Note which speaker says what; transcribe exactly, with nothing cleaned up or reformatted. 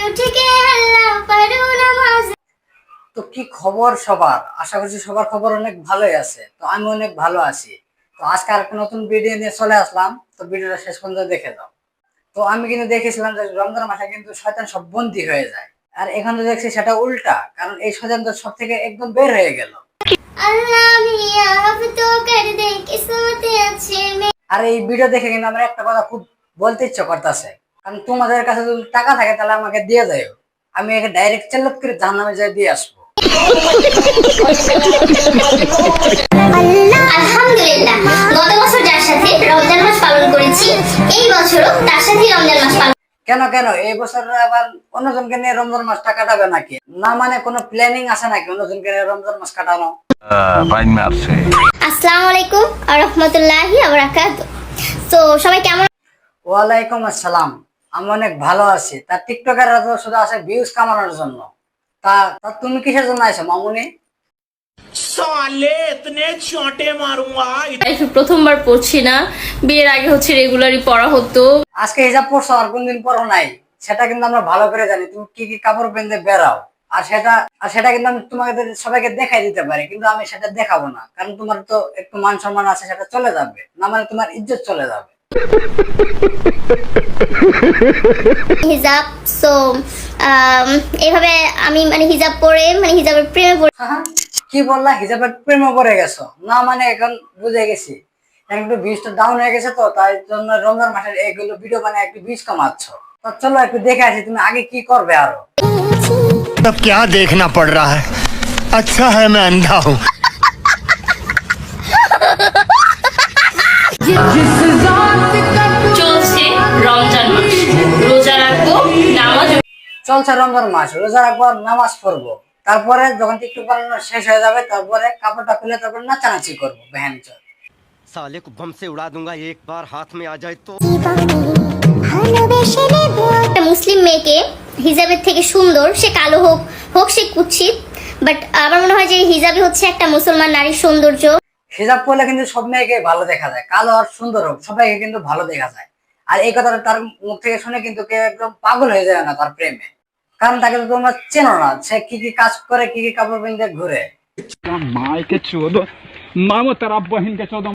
Speaker 1: তো কি খবর সবার? আশা করছি সবার খবর অনেক ভালোই আছে। তো আমি অনেক ভালো আছি। তো আজকে আর একটা নতুন ভিডিও নিয়ে চলে আসলাম। তো ভিডিওটা শেষ পর্যন্ত দেখে যাও। তো আমি কিন্তু দেখেছিলাম যে রমজান মাসে কিন্তু শয়তান সব বন্দী হয়ে যায়, আর এখন তো দেখছি সেটা উল্টা, কারণ এই শয়তান তো সব থেকে একদম বের হয়ে গেল। আর এই ভিডিও দেখে কিন্তু আমার একটা কথা খুব বলতে ইচ্ছে করতেছে, কারণ তোমাদের কাছে যদি টাকা থাকে তাহলে আমাকে দিয়ে যাও, আমি একে ডাইরেক্ট চাল্লাত করে জাহান্নামে যাই দিয়ে আসবো।
Speaker 2: আলহামদুলিল্লাহ, গত বছর যার সাথে রমজান মাস পালন করেছি, এই বছরও তার সাথে রমজান মাস পালন।
Speaker 1: কেন কেন এই বছর আবার অন্যজনকে নিয়ে রমজান মাসটা কাটাবে নাকি? না মানে কোনো প্ল্যানিং আছে নাকি অন্যজনকে নিয়ে রমজান মাস কাটানো?
Speaker 2: আসসালামু আলাইকুম ওয়া রাহমাতুল্লাহি ওয়া বারাকাতুহু। তো সবাই কেমন?
Speaker 1: ওয়ালাইকুম আসসালাম। আমি অনেক ভালো আছি। তা টিকটকাররা তো শুধু আসে ভিউজ কামানোর জন্য। তা তা তুমি কিসের জন্য আইছো মামুনি?
Speaker 3: साले इतने चोटे मारूंगा।
Speaker 4: লাইফে প্রথমবার পড়ছি না, বিয়ের আগে হচ্ছে রেগুলারই পড়া হতো।
Speaker 1: আজকে হিজাব পরছো আর কোনদিন পরো নাই, সেটা কিন্তু আমরা ভালো করে জানি। তুমি কি কি কাপড় পেনতে বেরাও, আর সেটা আর সেটা কিন্তু আমি তোমাদের সবাইকে দেখাই দিতে পারি, কিন্তু আমি সেটা দেখাবো না, কারণ তোমার তো একটু মান সম্মান আছে, সেটা চলে যাবে না, মানে তোমার ইজ্জত চলে যাবে।
Speaker 2: হিজাব, সো এইভাবে আমি মানে হিজাব পরে মানে হিজাবের প্রেমে পড়ে।
Speaker 1: হ্যাঁ, কি বললা? হিজাবের প্রেমে পড়ে গেছো? না মানে এখন বুঝে গেছি, এখন একটু ভিউজটা ডাউন হয়ে গেছে, তো তাই জন্য রমজান মাসের এইগুলো ভিডিও বানায় একটু ভিউজ কামাচ্ছ। তো চলো একটু দেখে আসি তুমি আগে কি করবে আরো।
Speaker 5: अब क्या देखना पड़ रहा है? अच्छा है मैं अंधा हूँ।
Speaker 4: চলছে রমজান মাস, রোজা রাখবো, নামাজ।
Speaker 1: চলছে রমজান মাস, রোজা রাখবো আর নামাজ পড়বো, তারপরে যখন টিকটক বানানো শেষ হয়ে যাবে তারপরে কাপড়টা খুলে তারপরে নাচানাচি করবো। বহন চল,
Speaker 5: साले को बम से उड़ा दूंगा एक बार हाथ में आ जाए तो।
Speaker 2: একটা মুসলিম মেয়েকে হিজাবের থেকে সুন্দর, সে কালো হোক হোক সে কুৎসিত, বাট আমার মনে হয় যে হিজাবই হচ্ছে একটা মুসলমান নারীর সৌন্দর্য।
Speaker 1: হিজাব পরলে কিন্তু সব মেয়েকে ভালো দেখা যায়, কালো আর সুন্দর হোক সবাইকে কিন্তু ভালো দেখা যায়। আর এই কথাটা তার মুখ থেকে শুনে কিন্তু কেউ একদম পাগল হয়ে যায় না তার প্রেমে, কারণ তাকে তো তোমরা চেনো না, সে কি কি কাজ করে, কি কি কাপড় পিনতে ঘুরে।
Speaker 6: माय के चौदह मामो तेरा बहन के चौदह